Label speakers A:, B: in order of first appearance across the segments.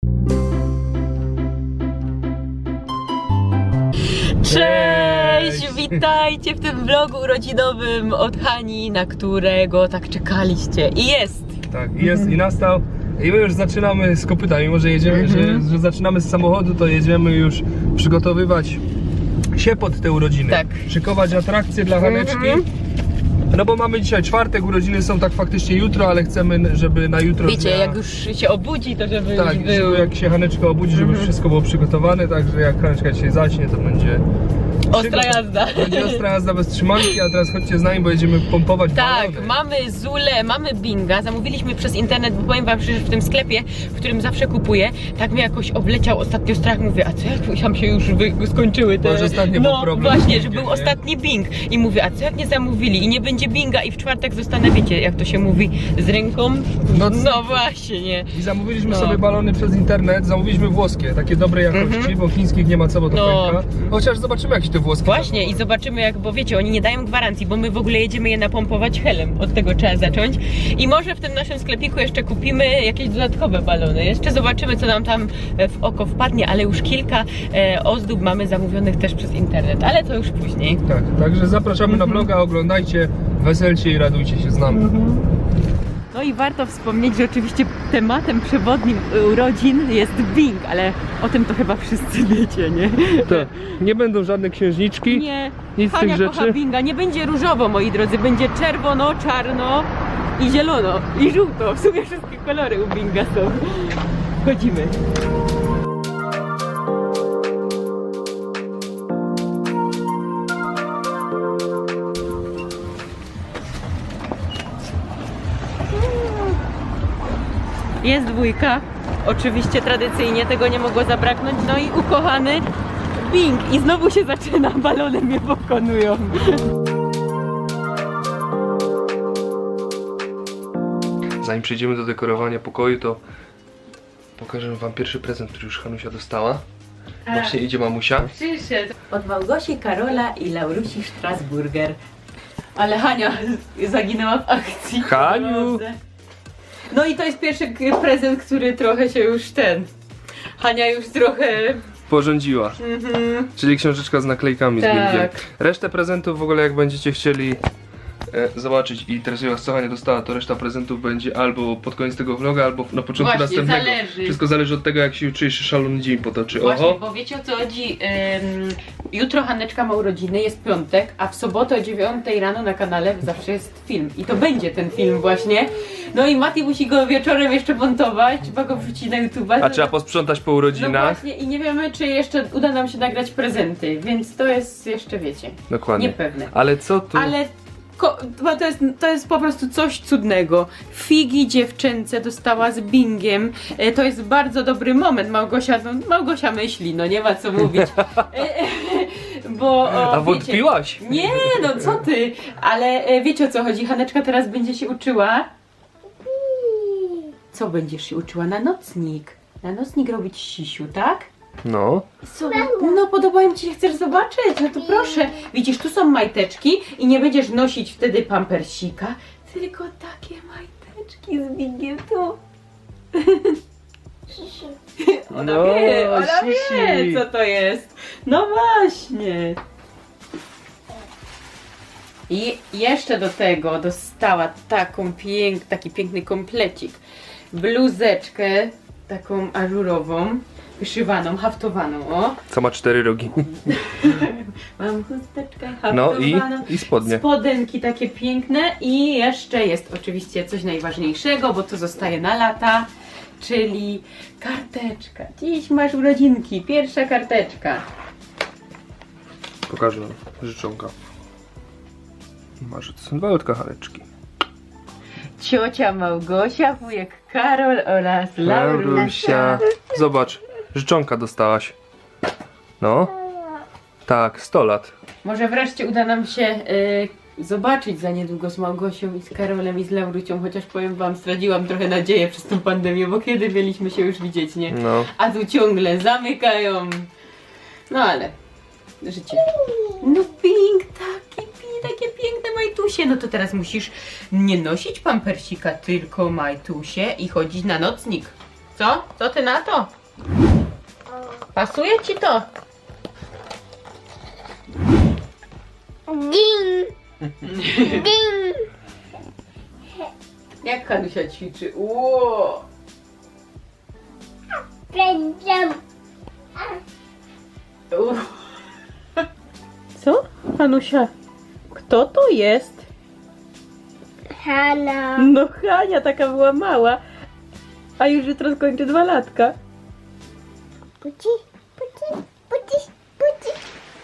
A: Cześć! Witajcie w tym vlogu urodzinowym od Hani, na którego tak czekaliście. I jest!
B: Tak, jest i nastał. I my już zaczynamy z kopyta, mimo że jedziemy, że zaczynamy z samochodu, to jedziemy już przygotowywać się pod te urodziny.
A: Tak.
B: Szykować atrakcje dla Haneczki. No bo mamy dzisiaj czwartek, urodziny są tak faktycznie jutro, ale chcemy, żeby na jutro...
A: Wiecie, jak już się obudzi, to żeby
B: tak,
A: już był...
B: jak się Haneczka obudzi, żeby już wszystko było przygotowane, także jak Haneczka dzisiaj zaśnie, to będzie...
A: Ostra jazda.
B: Będzie ostra jazda bez trzymanki, a teraz chodźcie z nami, bo jedziemy pompować
A: Tak,
B: balony.
A: mamy Zulę, mamy Binga, zamówiliśmy przez internet, bo powiem wam, że w tym sklepie, w którym zawsze kupuję, tak mnie jakoś obleciał ostatnio strach, mówię, a co jak tam się już skończyły te...
B: Może ostatnio był problem.
A: Właśnie, że był ostatni Bing i mówię, a co jak nie zamówili i nie będzie Binga i w czwartek zostanę, wiecie, jak to się mówi, z ręką? No właśnie, nie.
B: I zamówiliśmy sobie balony przez internet, zamówiliśmy włoskie, takie dobrej jakości, bo chińskich nie ma co, bo to pęka. Chociaż zobaczymy, jak się te włoskie
A: Właśnie i zobaczymy jak, bo wiecie, oni nie dają gwarancji, bo my w ogóle jedziemy je napompować helem, od tego trzeba zacząć. I może w tym naszym sklepiku jeszcze kupimy jakieś dodatkowe balony, jeszcze zobaczymy co nam tam w oko wpadnie, ale już kilka ozdób mamy zamówionych też przez internet, ale to już później.
B: Tak, także zapraszamy na vloga, oglądajcie, weselcie i radujcie się z nami.
A: No i warto wspomnieć, że oczywiście tematem przewodnim urodzin jest Bing, ale o tym to chyba wszyscy wiecie, nie?
B: Tak, nie będą żadne księżniczki,
A: Nie,
B: nic z
A: Hania
B: tych
A: kocha
B: rzeczy.
A: Binga, nie będzie różowo, moi drodzy, będzie czerwono, czarno i zielono i żółto, w sumie wszystkie kolory u Binga są. Chodzimy. Jest dwójka, oczywiście tradycyjnie tego nie mogło zabraknąć, no i ukochany Bing i znowu się zaczyna, balony mnie pokonują.
B: Zanim przejdziemy do dekorowania pokoju, to pokażę wam pierwszy prezent, który już Hanusia dostała. Właśnie idzie mamusia.
A: Przyszedł. Od Małgosi, Karola i Laurusi Strasburger. Ale Hania zaginęła w akcji.
B: Haniu!
A: No i to jest pierwszy prezent, który trochę się już Hania już trochę...
B: Porządziła. Czyli książeczka z naklejkami
A: Tak.
B: z Bingiem. Resztę prezentów w ogóle jak będziecie chcieli zobaczyć i interesuje was co Hania dostała, to reszta prezentów będzie albo pod koniec tego vloga, albo na początku
A: Właśnie,
B: następnego.
A: zależy.
B: Wszystko zależy od tego, jak się jutrzejszy szalony dzień potoczy.
A: Właśnie,
B: Oho!
A: bo wiecie o co chodzi, jutro Haneczka ma urodziny, jest piątek, a w sobotę o 9 rano na kanale zawsze jest film i to będzie ten film właśnie. No i Mati musi go wieczorem jeszcze montować, trzeba go wrzucić na YouTube.
B: A trzeba posprzątać po
A: No
B: urodzinach.
A: właśnie i nie wiemy, czy jeszcze uda nam się nagrać prezenty, więc to jest jeszcze, wiecie,
B: Dokładnie.
A: niepewne.
B: Ale co tu?
A: Ale to jest po prostu coś cudnego. Figi dziewczęce dostała z Bingiem. To jest bardzo dobry moment. Małgosia myśli, no nie ma co mówić. Bo
B: A
A: wiecie,
B: wątpiłaś?
A: nie, no co ty? Ale wiecie o co chodzi? Haneczka teraz będzie się uczyła. Co będziesz się uczyła? Na nocnik. Na nocnik robić sisiu, tak?
B: No.
A: No podobają ci się, chcesz zobaczyć? No to proszę. Widzisz, tu są majteczki i nie będziesz nosić wtedy pampersika, tylko takie majteczki z Bingiem tu. Ona
B: No,
A: wie, ona
B: sisi.
A: wie co to jest. No właśnie. I jeszcze do tego dostała taki piękny komplecik. Bluzeczkę taką ażurową, wyszywaną, haftowaną, o.
B: Co ma 4 rogi.
A: Mam chusteczkę
B: No
A: haftowaną.
B: i spodnie.
A: Spodenki takie piękne i jeszcze jest oczywiście coś najważniejszego, bo to zostaje na lata, czyli karteczka. Dziś masz urodzinki, pierwsza karteczka.
B: Pokażę wam życzonka. Masz malutkie Haneczki.
A: Ciocia Małgosia, wujek Karol oraz Laurusia.
B: Zobacz, życzonka dostałaś. No. Tak, 100 lat.
A: Może wreszcie uda nam się zobaczyć za niedługo z Małgosią i z Karolem i z Laurucią, chociaż powiem wam, straciłam trochę nadzieję przez tą pandemię, bo kiedy mieliśmy się już widzieć, nie?
B: No.
A: A tu ciągle zamykają. No ale życie. No Pink, takie piękne majtusie. No to teraz musisz nie nosić pampersika, tylko majtusie i chodzić na nocnik. Co? Co ty na to? Pasuje ci to?
C: Ding! Ding!
A: Jak Hanusia ćwiczy? Ło!
C: Będę.
A: Co? Hanusia, kto to jest?
C: Hanna.
A: No Hania, taka była mała, a już jutro skończy 2 latka.
C: Puci, puci, puci, puci.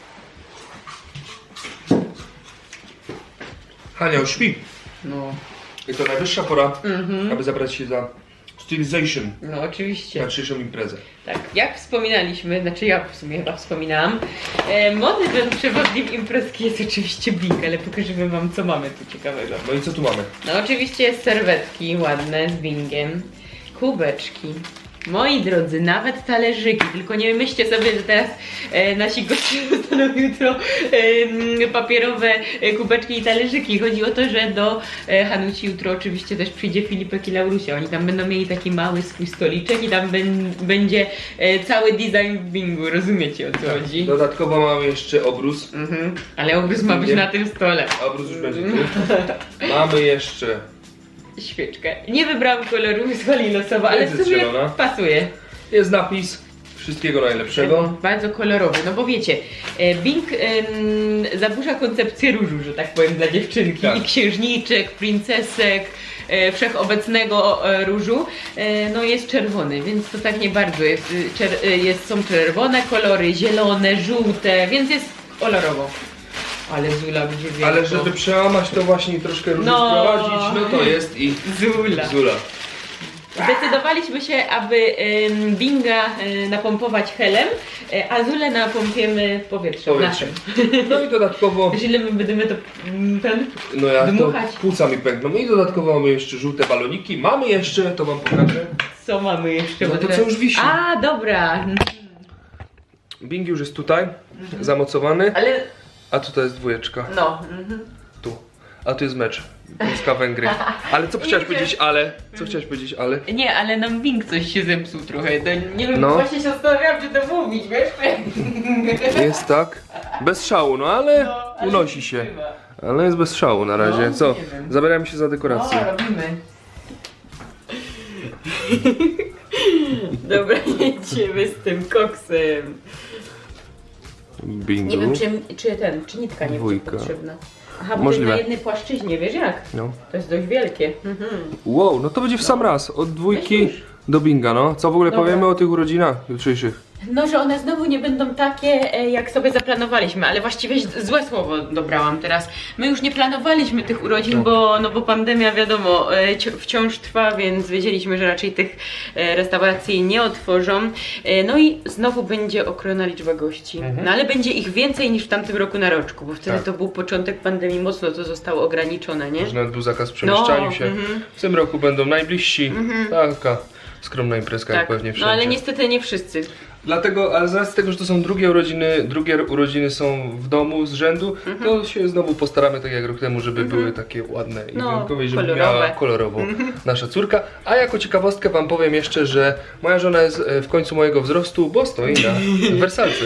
B: Hania już śpi.
A: No,
B: I to najwyższa pora, aby zabrać się za stylization
A: no oczywiście.
B: na dzisiejszą imprezę.
A: Tak, jak wspominaliśmy, znaczy ja w sumie chyba wspominałam, motywem przewodnim imprezki jest oczywiście Bing, ale pokażemy wam co mamy tu ciekawego.
B: No i co tu mamy?
A: No oczywiście serwetki ładne z Bingiem, kubeczki. Moi drodzy, nawet talerzyki, tylko nie myślcie sobie, że teraz nasi goście dostaną jutro papierowe kubeczki i talerzyki. Chodzi o to, że do Hanusi jutro oczywiście też przyjdzie Filipek i Laurusia. Oni tam będą mieli taki mały swój stoliczek i tam będzie cały design w Bingu, rozumiecie o co chodzi?
B: Dodatkowo mamy jeszcze obrus.
A: Ale obrys ma być na tym stole.
B: Obrus już będzie tu. Mamy jeszcze
A: Świeczkę. Nie wybrałam koloru, wysłali losowo, ale w
B: Jest
A: sumie
B: zielona.
A: pasuje.
B: jest napis wszystkiego najlepszego.
A: Bardzo kolorowy, no bo wiecie, Bing zaburza koncepcję różu, że tak powiem, dla dziewczynki.
B: Tak.
A: I księżniczek, princesek, wszechobecnego różu, no jest czerwony, więc to tak nie bardzo jest. Są czerwone kolory, zielone, żółte, więc jest kolorowo. Ale Zula będzie wielko.
B: Ale żeby przełamać to właśnie i troszkę różnie
A: No.
B: wprowadzić, no to jest i
A: Zula.
B: Zula.
A: Zdecydowaliśmy się, aby Binga napompować helem, a Zulę napompiemy powietrzem.
B: Powietrzem.
A: naszym.
B: No i dodatkowo,
A: Źle my będziemy to
B: no ja to
A: dmuchać.
B: płuca mi pękną. I dodatkowo mamy jeszcze żółte baloniki. Mamy jeszcze, to wam pokażę.
A: Co mamy jeszcze?
B: No
A: Bo
B: to
A: teraz-
B: co już wisi.
A: A, dobra.
B: Bing już jest tutaj, zamocowany,
A: Ale
B: a tutaj jest dwójeczka.
A: no.
B: Tu. A tu jest mecz. Polska-Węgry. Ale co chciałaś powiedzieć, ale? Co chciałaś powiedzieć, ale?
A: Nie, ale nam Bing coś się zepsuł trochę. To nie wiem,
B: No.
A: właśnie się zastanawiałam, czy to mówić, wiesz?
B: Jest tak. Bez szału, no ale
A: No, ale
B: unosi się.
A: trzyma.
B: Ale jest bez szału na razie.
A: No,
B: Co?
A: nie wiem.
B: Zabieramy się za
A: No,
B: dekorację.
A: robimy. Dobra, jedziemy z tym koksem. Nie
B: Bingo.
A: wiem, czy nitka nie będzie
B: Dwójka.
A: potrzebna. Aha, bo
B: Możliwe.
A: to jest na jednej płaszczyźnie, wiesz jak?
B: No.
A: To jest dość wielkie.
B: Wow, no to będzie w sam raz. Od dwójki do binga, no. Co w ogóle
A: Dobra.
B: powiemy o tych urodzinach jutrzejszych?
A: No, że one znowu nie będą takie, jak sobie zaplanowaliśmy, ale właściwie złe słowo dobrałam teraz. My już nie planowaliśmy tych urodzin, bo pandemia, wiadomo, wciąż trwa, więc wiedzieliśmy, że raczej tych restauracji nie otworzą. No i znowu będzie okrojona liczba gości. No ale będzie ich więcej niż w tamtym roku na roczku, bo wtedy
B: Tak.
A: to był początek pandemii, mocno to zostało ograniczone, nie?
B: Może nawet był zakaz przemieszczaniu
A: No,
B: się. W tym roku będą najbliżsi. Taka skromna imprezka, jak
A: Tak,
B: pewnie wszędzie.
A: no ale niestety nie wszyscy.
B: Dlatego, ale z racji tego, że to są drugie urodziny są w domu z rzędu, to się znowu postaramy tak jak rok temu, żeby były takie ładne i
A: No,
B: wyjątkowe, i żeby
A: kolorowe.
B: miała kolorową nasza córka. A jako ciekawostkę wam powiem jeszcze, że moja żona jest w końcu mojego wzrostu, bo stoi na wersalce.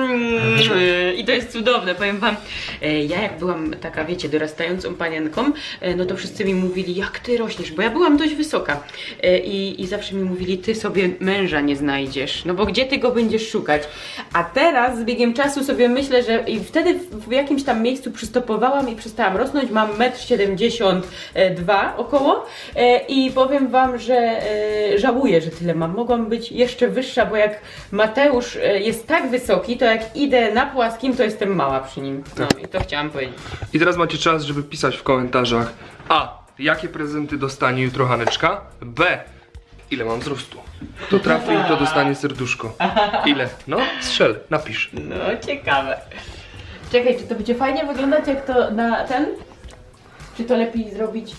A: I to jest cudowne, powiem wam, ja jak byłam taka, wiecie, dorastającą panienką, no to wszyscy mi mówili, jak ty rośniesz, bo ja byłam dość wysoka i zawsze mi mówili, ty sobie męża nie znajdziesz, no bo gdzie ty go będziesz szukać? A teraz z biegiem czasu sobie myślę, że i wtedy w jakimś tam miejscu przystopowałam i przestałam rosnąć, mam 1,72 m około i powiem wam, że żałuję, że tyle mam, mogłam być jeszcze wyższa, bo jak Mateusz jest tak wysoki, to jak idę na płaskim, to jestem mała przy nim. No i to chciałam powiedzieć.
B: I teraz macie czas, żeby pisać w komentarzach A. Jakie prezenty dostanie jutro Haneczka? B. Ile mam wzrostu? Kto trafi, to dostanie serduszko. Ile? No, strzel, napisz.
A: No, ciekawe. Czekaj, czy to będzie fajnie wyglądać jak to na ten? Czy to lepiej zrobić?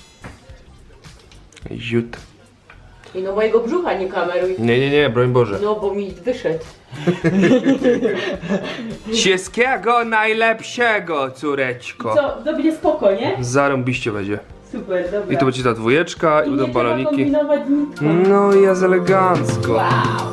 B: Ziut.
A: I no mojego brzucha nie kameruj.
B: Nie, broń Boże.
A: No, bo mi wyszedł.
B: Wszystkiego najlepszego, córeczko.
A: Co, to będzie spoko, nie?
B: Zarąbiście będzie.
A: Super, dobra.
B: I to będzie ta dwójeczka i
A: nie
B: będą
A: trzeba
B: baloniki.
A: kombinować nitką.
B: No i jest elegancko.
A: Wow.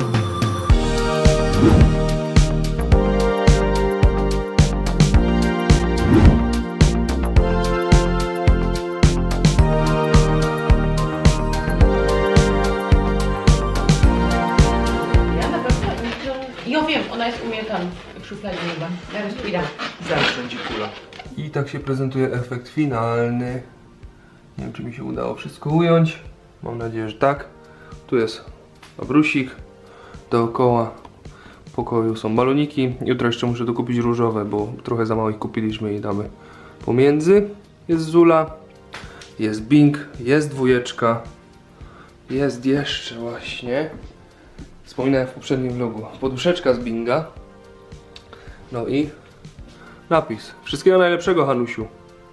A: Ja na pewno ja wiem, ona jest u mnie tam w szufladzie chyba. Zaraz pójdę.
B: Zawsze będzie kula. I tak się prezentuje efekt finalny. Nie wiem, czy mi się udało wszystko ująć. Mam nadzieję, że tak. Tu jest obrusik. Dookoła pokoju są baloniki. Jutro jeszcze muszę dokupić różowe, bo trochę za mało ich kupiliśmy i damy pomiędzy. Jest Zula, jest Bing, jest dwójeczka. Jest jeszcze właśnie, wspominałem w poprzednim vlogu, poduszeczka z Binga. No i napis. Wszystkiego najlepszego, Hanusiu.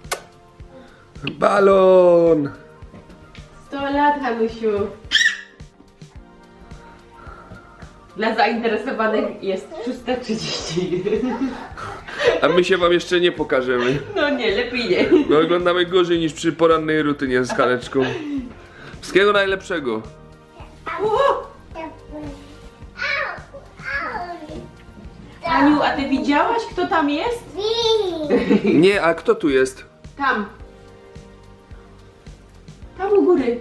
B: Balon!
A: 100 lat, Hanusiu. Dla zainteresowanych jest 630.
B: A my się wam jeszcze nie pokażemy.
A: No nie, lepiej nie.
B: My oglądamy gorzej niż przy porannej rutynie z Haneczką. Wszystkiego najlepszego.
A: Aniu, a ty widziałaś, kto tam jest?
B: Nie, a kto tu jest?
A: Tam. Tam u góry.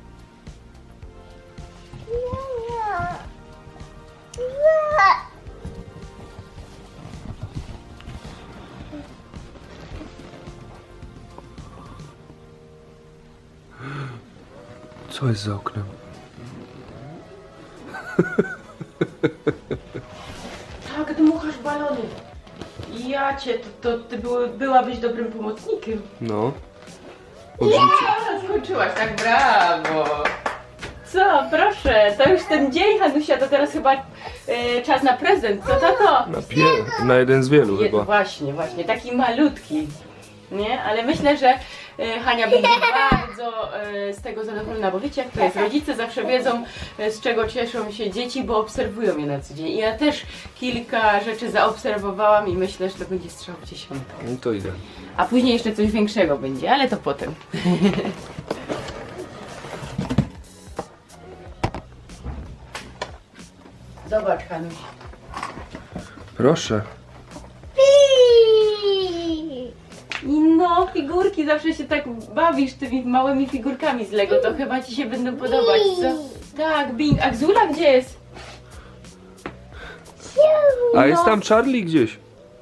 B: Co jest za oknem?
A: Tak, dmuchasz balony. Ja cię, to ty byłabyś dobrym pomocnikiem.
B: No.
A: Skończyłaś, tak, brawo. Co, proszę, to już ten dzień, Hanusia, to teraz chyba czas na prezent, co tato?
B: Na jeden z wielu chyba.
A: Właśnie, taki malutki, nie? Ale myślę, że Hania będzie bardzo z tego zadowolona, bo wiecie jak to jest, rodzice zawsze wiedzą z czego cieszą się dzieci, bo obserwują je na co dzień. I ja też kilka rzeczy zaobserwowałam i myślę, że to będzie strzał w dziesiątkę.
B: No to idę.
A: A później jeszcze coś większego będzie, ale to potem. Zobacz, Hanuś.
B: Proszę.
A: I no, figurki, zawsze się tak bawisz tymi małymi figurkami z Lego, to chyba ci się będą podobać, co? Tak, Bing, a Zula gdzie jest?
B: A jest tam Charlie gdzieś.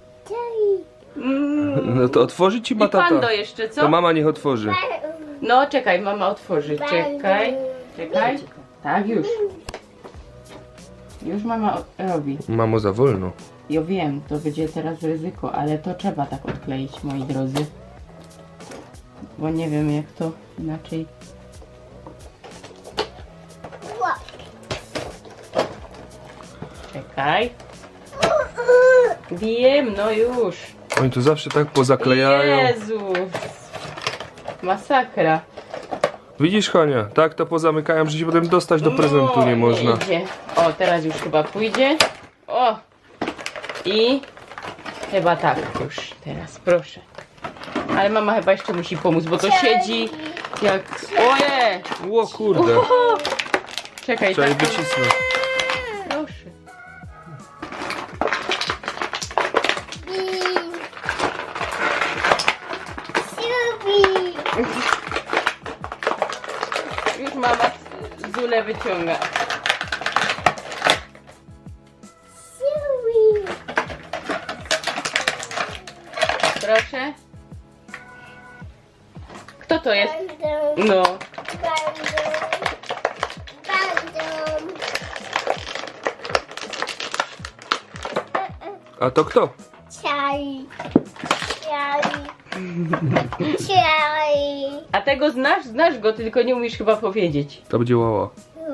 B: No to otworzy ci
A: I
B: ma tata.
A: Pando jeszcze, co?
B: To mama niech otworzy.
A: No, czekaj, mama otworzy, czekaj. Tak, już. Już mama robi.
B: Mamo, za wolno.
A: Ja wiem, to będzie teraz ryzyko, ale to trzeba tak odkleić, moi drodzy. Bo nie wiem jak to inaczej. Czekaj. Wiem, no już.
B: Oni tu zawsze tak pozaklejają.
A: Jezus. Masakra.
B: Widzisz, Hania? Tak to pozamykają, że się potem dostać do prezentu
A: No,
B: nie można.
A: idzie. O, teraz już chyba pójdzie. O! I chyba tak już teraz, proszę. Ale mama chyba jeszcze musi pomóc, bo to siedzi jak... Oje!
B: O kurde,
A: Oho! Czekaj,
B: trzeba jej
A: tak.
B: wycisnąć.
A: Proszę. Już mama Zulę wyciąga. Proszę. Kto to jest? No.
B: A to kto?
C: Charlie. Charlie.
A: A tego znasz? Znasz go, ty tylko nie umiesz chyba powiedzieć.
B: To będzie łała.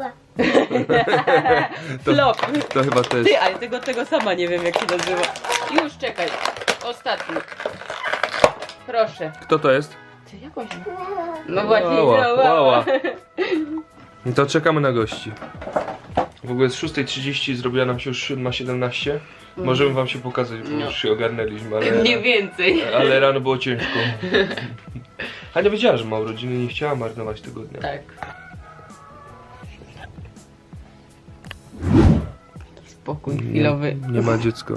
B: To,
A: Flop.
B: to chyba też.
A: Ty, ale tego sama nie wiem jak się nazywa. Już czekaj. Ostatni. Proszę.
B: Kto to jest?
A: Ty, jak on się... No właśnie,
B: Łała,
A: no,
B: łała. No to czekamy na gości. W ogóle jest 6:30, zrobiła nam się już 7:17. Możemy wam się pokazać, bo
A: No.
B: już się ogarnęliśmy, ale,
A: Mniej więcej.
B: ale rano było ciężko. Hania wiedziała, że ma urodziny, nie chciała marnować tego dnia.
A: Tak. Spokój chwilowy.
B: Nie ma dziecka.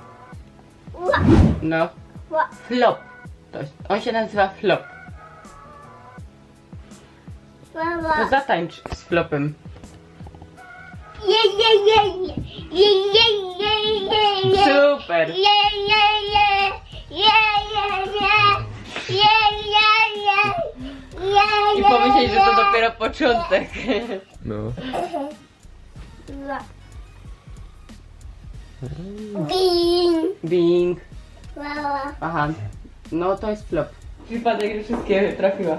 A: No. Flop. On się nazywa Flop. To
C: Mama.
A: zatańcz z Flopem. Super. I pomyśleć, że to dopiero początek.
B: No.
C: Bing.
A: Bing.
C: Mama.
A: Aha. No to jest Flop. Przypadek, że wszystkie trafiła.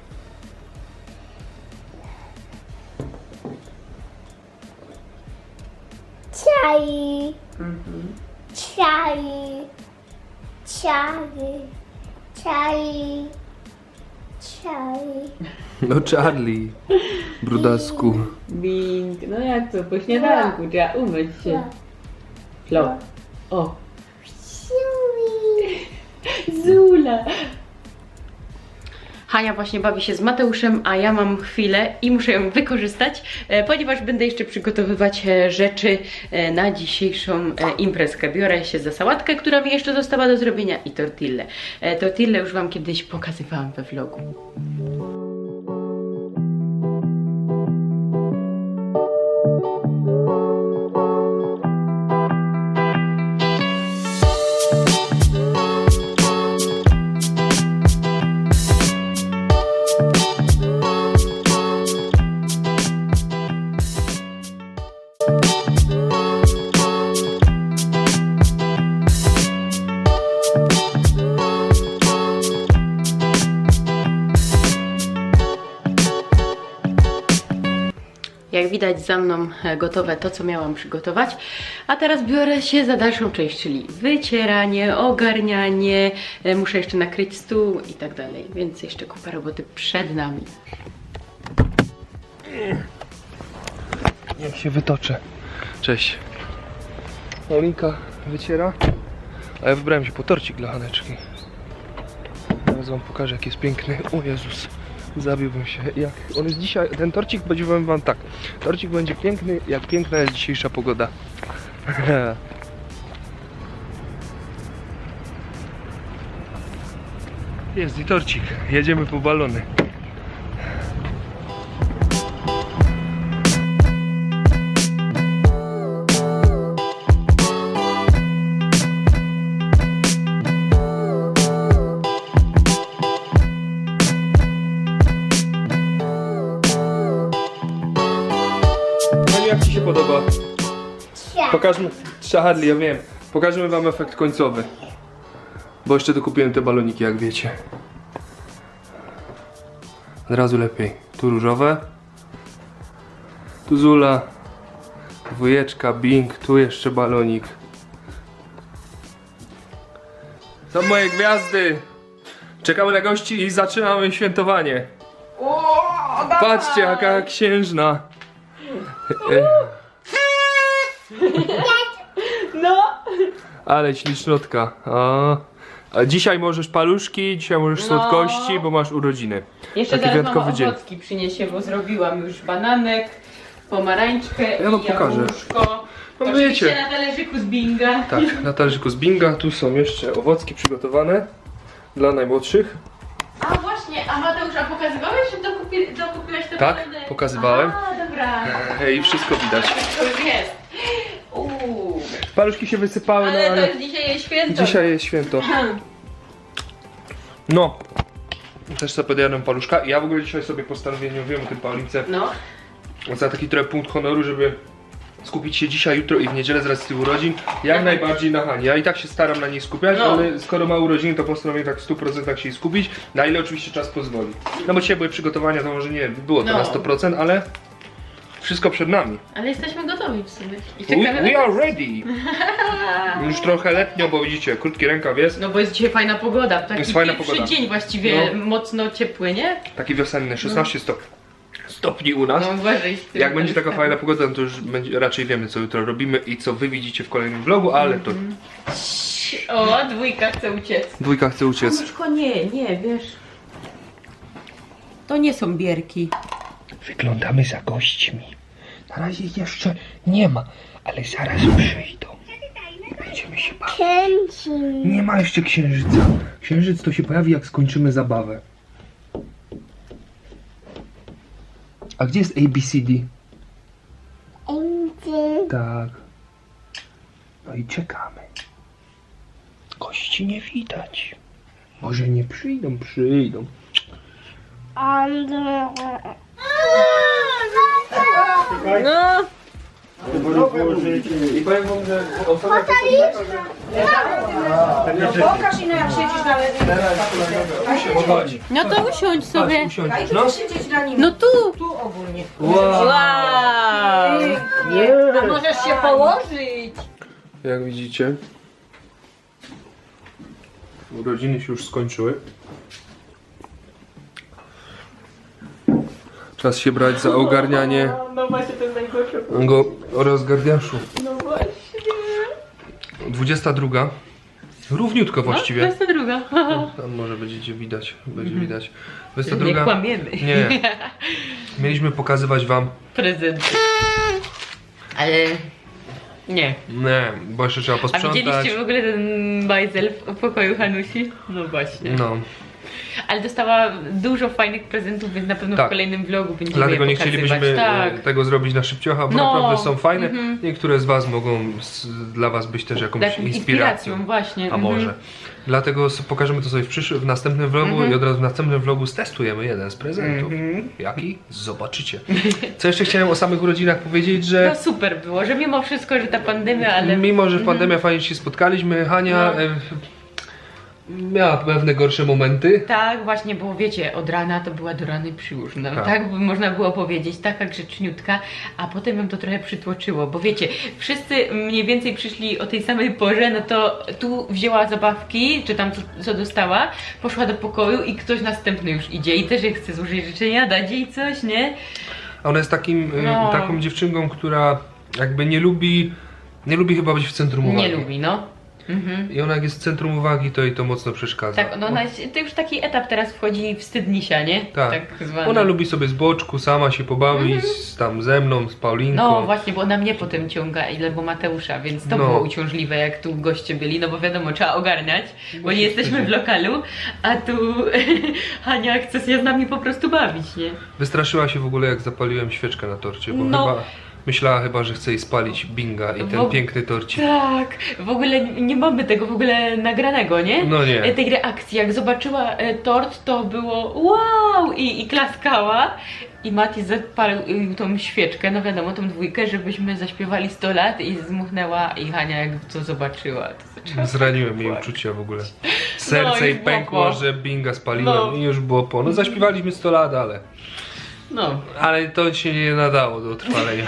C: Charlie. Charlie. Charlie. Charlie. Charlie.
B: No Charlie. Brudasku.
A: Bing. No jak to? Po śniadanku trzeba umyć się. Flop. O. Zula. Hania właśnie bawi się z Mateuszem, a ja mam chwilę i muszę ją wykorzystać, ponieważ będę jeszcze przygotowywać rzeczy na dzisiejszą imprezkę. Biorę się za sałatkę, która mi jeszcze została do zrobienia i tortillę. Tortillę już Wam kiedyś pokazywałam we vlogu. Jak widać za mną gotowe to, co miałam przygotować. A teraz biorę się za dalszą część, czyli wycieranie, ogarnianie. Muszę jeszcze nakryć stół i tak dalej, więc jeszcze kupa roboty przed nami.
B: Jak się wytoczę. Cześć. Paulinka wyciera, a ja wybrałem się po torcik dla Haneczki. Teraz Wam pokażę, jak jest piękny. O Jezus. Zabiłbym się. Jak on jest dzisiaj, ten torcik będzie, powiem Wam tak. Torcik będzie piękny, jak piękna jest dzisiejsza pogoda. Jest i torcik. Jedziemy po balony. Jak Ci się podoba? Pokażmy, Charlie, ja wiem. Pokażemy Wam efekt końcowy. Bo jeszcze dokupiłem te baloniki, jak wiecie. Od razu lepiej. Tu różowe. Tu Zula. Dwójeczka, Bing. Tu jeszcze balonik. Są moje gwiazdy. Czekamy na gości i zaczynamy świętowanie. Patrzcie, jaka księżna.
A: No!
B: Ale ślicznotka. A dzisiaj możesz paluszki, dzisiaj możesz słodkości, bo masz urodziny.
A: Jeszcze
B: Taki
A: zaraz
B: wyjątkowy
A: mama
B: dzień.
A: owocki przyniesie, bo zrobiłam już bananek, pomarańczkę
B: Ja wam
A: i
B: pokażę.
A: jabłuszko.
B: No
A: Oczywiście
B: wiecie.
A: na talerzyku z Binga.
B: Tak, na talerzyku z Binga. Tu są jeszcze owocki przygotowane dla najmłodszych.
A: A właśnie, a Mateusz, a pokazywałeś, że dokupiłeś te
B: Tak,
A: balony?
B: pokazywałem.
A: A, dobra.
B: I wszystko widać.
A: To już jest. Uuu.
B: Paluszki się wysypały,
A: Ale
B: no
A: to
B: ale
A: jest dzisiaj jest święto.
B: dzisiaj jest święto. No. Też sobie podjadłem paluszka. Ja w ogóle dzisiaj sobie postanowiłem, nie mówiłem o tym Paulince,
A: No.
B: za taki trochę punkt honoru, żeby skupić się dzisiaj, jutro i w niedzielę z racji urodzin jak najbardziej na Hani. Ja i tak się staram na niej skupiać,
A: No.
B: ale skoro ma urodziny, to postanowiłem tak w 100% się jej skupić, na ile oczywiście czas pozwoli. No bo dzisiaj były przygotowania, to może nie było to
A: No.
B: na 100%, ale wszystko przed nami.
A: Ale jesteśmy gotowi w sumie. I czekamy
B: We
A: na...
B: are ready! Już trochę letnio, bo widzicie, krótki rękaw jest,
A: No bo jest dzisiaj fajna pogoda. Taki
B: Jest fajna
A: pierwszy
B: pogoda.
A: dzień właściwie
B: No.
A: mocno ciepły, nie?
B: taki wiosenny, 16 stopni u nas.
A: No uważaj z tym.
B: Jak będzie taka fajna pogoda, no to już raczej wiemy, co jutro robimy i co wy widzicie w kolejnym vlogu, ale to
A: O, dwójka chce uciec.
B: dwójka chce uciec.
A: Mamuszko, nie, wiesz. To nie są bierki.
B: Wyglądamy za gośćmi. Na razie ich jeszcze nie ma, ale zaraz przyjdą. Będziemy się bawić.
C: Kręci.
B: Nie ma jeszcze księżyca. Księżyc to się pojawi, jak skończymy zabawę. A gdzie jest ABCD?
C: Indy.
B: Tak. No i czekamy. Gości nie widać. Może nie przyjdą, przyjdą.
A: No.
B: I powiem wam, że osoba
D: Pokaż ino jak siedzisz na lewej.
B: chodzi.
A: No to usiądź sobie.
B: Chodź, usiądź.
D: Daj
B: No.
D: tu siedzieć na nim.
A: No tu.
D: Tu ogólnie.
B: Wow.
A: Wow.
D: A możesz się położyć.
B: Jak widzicie, urodziny się już skończyły. Czas się brać za ogarnianie
A: No właśnie, to jest najgorsze.
B: go rozgardiaszu.
A: No właśnie.
B: 22. Równiutko
A: No, to
B: właściwie.
A: jest ta druga.
B: Tam może będziecie widać. Będzie widać.
A: Nie
B: 22.
A: kłamiemy.
B: Nie. Mieliśmy pokazywać wam.
A: Prezenty. Ale... Nie.
B: Nie, bo jeszcze trzeba
A: A
B: posprzątać.
A: widzieliście w ogóle ten bajzel w pokoju Hanusi? No właśnie.
B: No.
A: Ale dostała dużo fajnych prezentów, więc na pewno
B: Tak.
A: w kolejnym vlogu będziemy
B: Dlatego
A: je
B: nie
A: pokazywać.
B: chcielibyśmy
A: Tak.
B: tego zrobić na szybciocha, bo
A: No.
B: naprawdę są fajne.
A: Mhm.
B: Niektóre z was mogą dla was być też jakąś
A: Taką
B: inspiracją.
A: właśnie.
B: A może. Dlatego pokażemy to sobie w następnym vlogu i od razu w następnym vlogu stestujemy jeden z prezentów. Jaki? Zobaczycie. Co jeszcze chciałem o samych urodzinach powiedzieć, że
A: No super było, że mimo wszystko, że ta pandemia, ale...
B: mimo, że w pandemii fajnie się spotkaliśmy, Hania
A: No.
B: miała pewne gorsze momenty.
A: Tak, właśnie, bo wiecie, od rana to była do rany przyłóżna,
B: Tak.
A: tak by można było powiedzieć, taka grzeczniutka, a potem ją to trochę przytłoczyło, bo wiecie, wszyscy mniej więcej przyszli o tej samej porze, no to tu wzięła zabawki, czy tam co dostała, poszła do pokoju i ktoś następny już idzie i też jej chce złożyć życzenia, dać jej coś, nie?
B: A ona jest
A: No.
B: taką dziewczynką, która jakby nie lubi chyba być w centrum uwagi.
A: Nie lubi, no.
B: I ona jak jest w centrum uwagi, to jej to mocno przeszkadza.
A: Tak, no ona jest, to już taki etap teraz wchodzi wstydnisia, nie?
B: Tak.
A: zwany.
B: Ona lubi sobie z boczku sama się pobawić, tam ze mną, z Paulinką.
A: No właśnie, bo ona mnie potem ciąga, albo Mateusza, więc to
B: No.
A: było uciążliwe, jak tu goście byli, no bo wiadomo, trzeba ogarniać, bo nie jesteśmy w lokalu, a tu Hania chce się z nami po prostu bawić, nie?
B: Wystraszyła się w ogóle, jak zapaliłem świeczkę na torcie, bo
A: No.
B: myślała chyba, że chce jej spalić binga i ten
A: Bo-
B: piękny torcik.
A: Tak, w ogóle nie mamy tego w ogóle nagranego, nie?
B: No nie.
A: Tej reakcji, jak zobaczyła tort, to było wow i klaskała. I Mati zapalił tą świeczkę, no wiadomo, tą dwójkę, żebyśmy zaśpiewali 100 lat i zmuchnęła i Hania jak to zobaczyła, to zaczęła
B: Zraniłem jej
A: płakać.
B: uczucia w ogóle. Serce
A: No,
B: jej
A: już było
B: pękło,
A: po.
B: że binga spaliłem
A: No.
B: i już było po. No zaśpiewaliśmy 100 lat,
A: No.
B: ale to się nie nadało do trwalenia.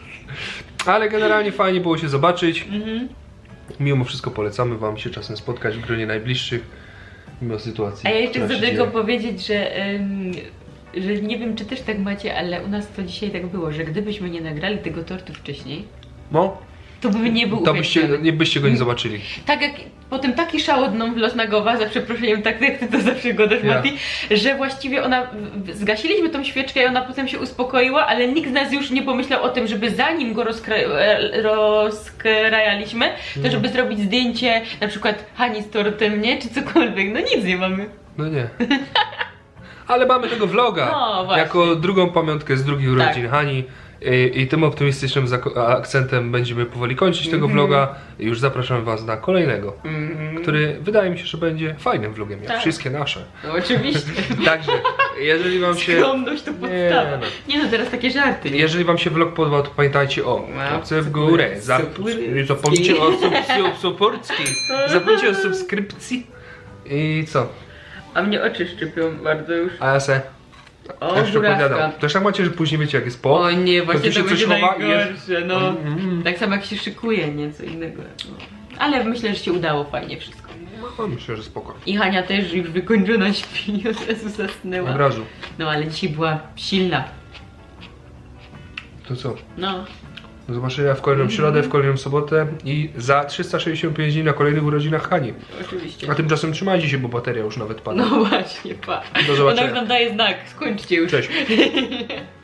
B: Ale generalnie fajnie było się zobaczyć. Mimo wszystko polecamy wam się czasem spotkać w gronie najbliższych. Mimo sytuacji.
A: A ja jeszcze
B: która
A: chcę
B: się
A: tylko
B: dzieje.
A: powiedzieć, że nie wiem, czy też tak macie, ale u nas to dzisiaj tak było, że gdybyśmy nie nagrali tego tortu wcześniej,
B: No,
A: to by nie był
B: to byście
A: uwięziony.
B: go nie zobaczyli.
A: Tak jak potem taki szał od mną los na głowa, za przeproszeniem, tak jak ty to zawsze godasz,
B: Ja.
A: Mati, że właściwie ona, zgasiliśmy tą świeczkę i ona potem się uspokoiła, ale nikt z nas już nie pomyślał o tym, żeby zanim go rozkrajaliśmy, to żeby zrobić zdjęcie na przykład Hani z tortem, nie? Czy cokolwiek, no nic nie mamy.
B: No nie. Ale mamy tego vloga.
A: No, właśnie.
B: Jako drugą pamiątkę z drugich urodzin
A: Tak.
B: Hani. I tym optymistycznym akcentem będziemy powoli kończyć
A: Mhm.
B: tego vloga. I już zapraszam was na kolejnego, który wydaje mi się, że będzie fajnym vlogiem, jak
A: Tak.
B: wszystkie nasze.
A: No oczywiście.
B: Także, jeżeli wam się...
A: Skromność to podstawa.
B: no.
A: Nie no, teraz takie żarty.
B: Jeżeli wam się vlog podobał, to pamiętajcie o łapce w górę, zapomnijcie o zapomnijcie o subskrypcji i co?
A: A mnie oczy szczypią bardzo już.
B: A ja se
A: O,
B: jeszcze opowiadam.
A: burazka.
B: Też tak macie, że później wiecie jak jest po?
A: O nie,
B: to
A: właśnie
B: tu się
A: to
B: coś
A: będzie
B: chowa i jest...
A: najgorsze, no. Tak samo jak się szykuje, nie? Co innego. No. Ale myślę, że się udało fajnie wszystko.
B: No, myślę, że spoko.
A: I Hania też już wykończona śpi, od razu zasnęła.
B: Od razu.
A: No ale dzisiaj była silna.
B: To co?
A: No.
B: Do zobaczenia w kolejną środę, w kolejną sobotę i za 365 dni na kolejnych urodzinach Hani.
A: Oczywiście.
B: A tymczasem trzymajcie się, bo bateria już nawet pada.
A: No właśnie, pa.
B: Do zobaczenia.
A: Ona już nam daje znak, skończcie już.
B: Cześć.